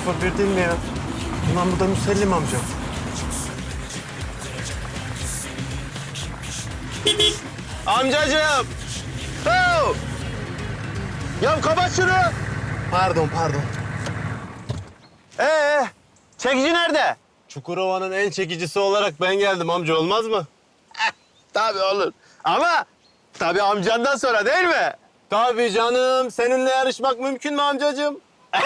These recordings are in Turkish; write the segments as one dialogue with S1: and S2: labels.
S1: 1 değil mi ya? Ulan bu da Müsellim amca. Amcacığım! Oh! Ya kapat şunu! Pardon. Çekici nerede? Çukurova'nın en çekicisi olarak ben geldim amca, olmaz mı? Tabii olur. Ama tabii amcandan sonra değil mi? Tabii canım. Seninle yarışmak mümkün mü amcacığım?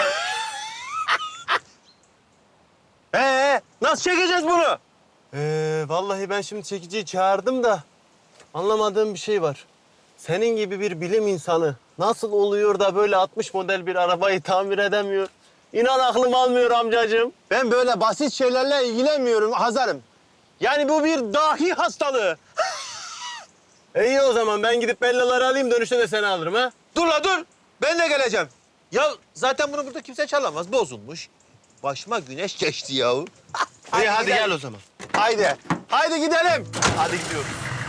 S1: Nasıl çekeceğiz bunu? Vallahi ben şimdi çekiciyi çağırdım da anlamadığım bir şey var. Senin gibi bir bilim insanı nasıl oluyor da böyle 60 model bir arabayı tamir edemiyor? İnan aklım almıyor amcacığım. Ben böyle basit şeylerle ilgilenmiyorum Hazarım. Yani bu bir dahi hastalığı. İyi o zaman ben gidip Bellaları alayım, dönüşte de seni alırım ha.
S2: Dur la dur. Ben de geleceğim. Ya zaten bunu burada kimse çalamaz. Bozulmuş. Başıma güneş geçti yahu.
S1: İyi hadi gel o zaman. Haydi gidelim. Hadi gidiyoruz.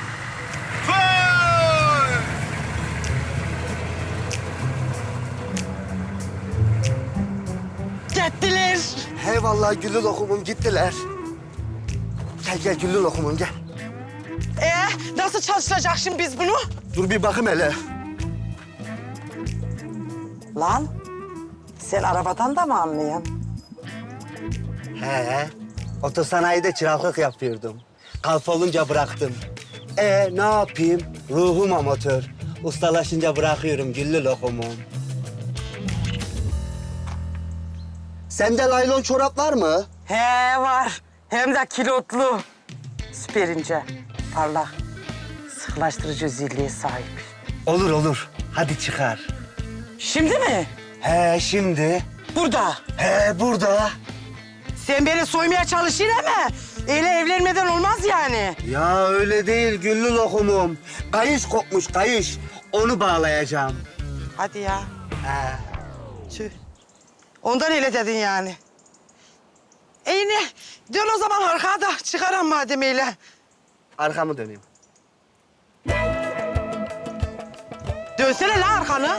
S3: Gittiler.
S4: He vallahi güllü lokumum gittiler. Gel güllü lokumum gel.
S3: Nasıl çalıştıracak şimdi biz bunu?
S4: Dur bir bakayım hele.
S3: Lan sen arabadan da mı anlıyorsun?
S4: He. Otosanayide çıraklık yapıyordum. Kalp olunca bıraktım. Ne yapayım? Ruhum amatör. Ustalaşınca bırakıyorum güllü lokumum. Sende laylon çorap var mı?
S3: He var. Hem de kilotlu. Süper ince, parlak, sıkılaştırıcı özelliğe sahip.
S4: Olur. Hadi çıkar.
S3: Şimdi mi?
S4: He şimdi.
S3: Burada.
S4: He burada.
S3: Sen beni soymaya çalışıyorsun ama öyle evlenmeden olmaz yani.
S4: Ya öyle değil güllü lokumum. Kayış kopmuş kayış. Onu bağlayacağım.
S3: Hadi ya.
S4: He.
S3: Tüh. Ondan öyle dedin yani. İyi ne? Dön o zaman arkaya da çıkaram madem öyle.
S4: Arkamı döneyim.
S3: Dönsene la arkanı.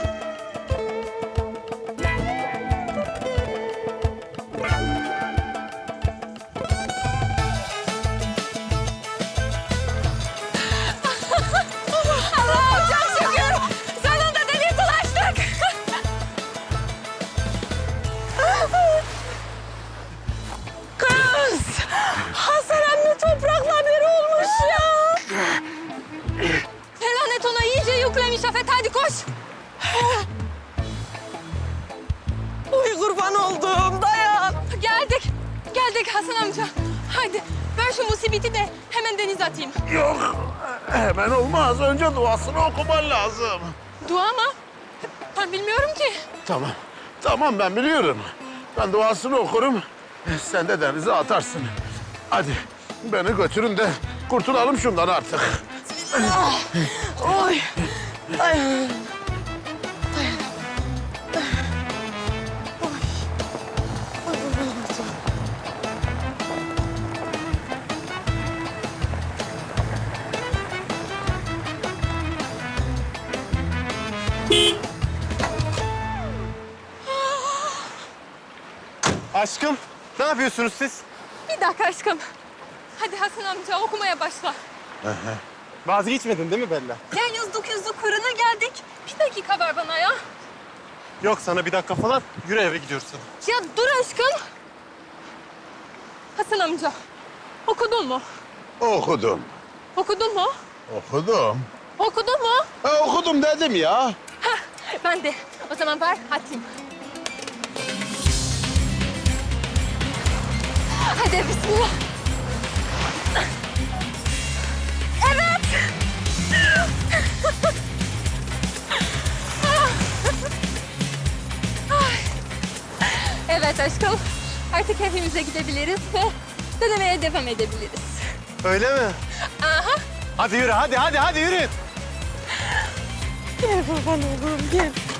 S5: Allah'ım çok şükür. Sonunda delik ulaştık.
S3: Kız! Hasan emmi toprakla bir olmuş ya.
S5: Felanet ona iyice yüklemiş Afet. Hadi koş.
S3: Uy kurban olduğum dayan.
S5: Geldik Hasan amca. Haydi ben şu musibeti de hemen denize atayım.
S2: Yok. Hemen olmaz. Önce duasını okuman lazım.
S5: Dua mı? Ben bilmiyorum ki.
S2: Tamam ben biliyorum. Ben duasını okurum. Sen de denize atarsın. Hadi beni götürün de kurtulalım şundan artık.
S3: Oy. Ay.
S1: Aşkım, ne yapıyorsunuz siz?
S5: Bir dakika aşkım. Hadi Hasan amca okumaya başla.
S1: Vazgeçmedin değil mi Bella?
S5: Ya yüzdük fırına geldik. Bir dakika ver bana ya.
S1: Yok sana bir dakika falan. Yürü eve gidiyoruz sana.
S5: Ya dur aşkım. Hasan amca okudun mu?
S2: Okudum.
S5: Okudun mu?
S2: Okudum.
S5: Okudun mu?
S2: Okudum dedim ya.
S5: Ben de. O zaman ver atayım. Hadi bismillah. Evet. Evet aşkım. Artık evimize gidebiliriz ve denemeye devam edebiliriz.
S1: Öyle mi?
S5: Aha.
S1: Hadi yürü, hadi yürü.
S3: Gel kurban oğlum gel.